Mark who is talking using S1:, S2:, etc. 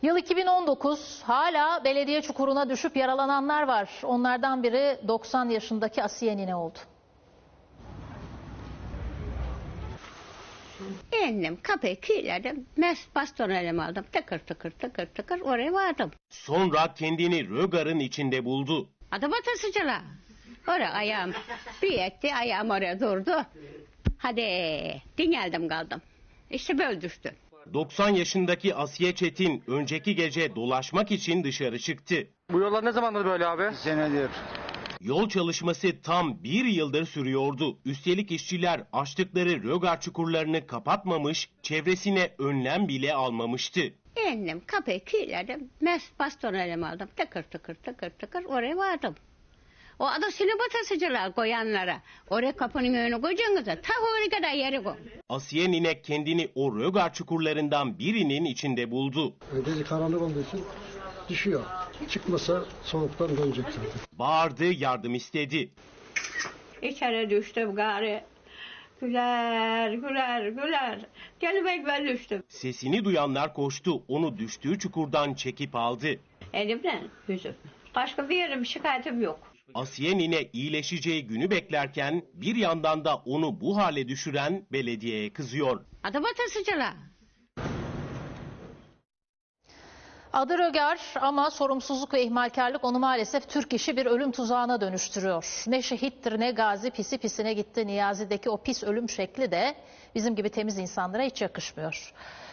S1: Yıl 2019, hala belediye çukuruna düşüp yaralananlar var. Onlardan biri 90 yaşındaki Asiye nine oldu.
S2: İndim, kapıyı kilitledim, baston elime aldım, tıkır tıkır tıkır tıkır oraya vardım.
S3: Sonra kendini rögarın içinde buldu.
S2: Adım atasıcılar. Oraya ayağım bir etti, ayağım oraya durdu. Hadi dingeldim kaldım. İşte böyle düştü.
S3: 90 yaşındaki Asiye Çetin önceki gece dolaşmak için dışarı çıktı.
S4: Bu yollar ne zamandır böyle abi?
S5: Senedir.
S3: Yol çalışması tam bir yıldır sürüyordu. Üstelik işçiler açtıkları rögar çukurlarını kapatmamış, çevresine önlem bile almamıştı.
S2: İndim, kapıyı kilitledim, baston elime aldım, tıkır tıkır tıkır tıkır oraya vardım. O adı sinip atasıcılar koyanlara. Oraya kapının önüne koyacaksınız da ta oraya kadar yeri koy.
S3: Asiye nine kendini o rögar çukurlarından birinin içinde buldu.
S6: Gece karanlık olduğu için düşüyor. Çıkmasa soğuktan dönecek zaten.
S3: Bağırdı, yardım istedi.
S2: İçeri düştüm gari. Güler güler güler. Gelmek ben düştüm.
S3: Sesini duyanlar koştu, onu düştüğü çukurdan çekip aldı.
S2: Elimden yüzüm. Başka bir yerim şikayetim yok.
S3: Asiye nine iyileşeceği günü beklerken bir yandan da onu bu hale düşüren belediyeye kızıyor.
S2: Adım atasıcılar.
S1: Adı rögar ama sorumsuzluk ve ihmalkarlık onu maalesef Türk işi bir ölüm tuzağına dönüştürüyor. Ne şehittir ne gazi, pisi pisine gitti. Niyazi'deki o pis ölüm şekli de bizim gibi temiz insanlara hiç yakışmıyor.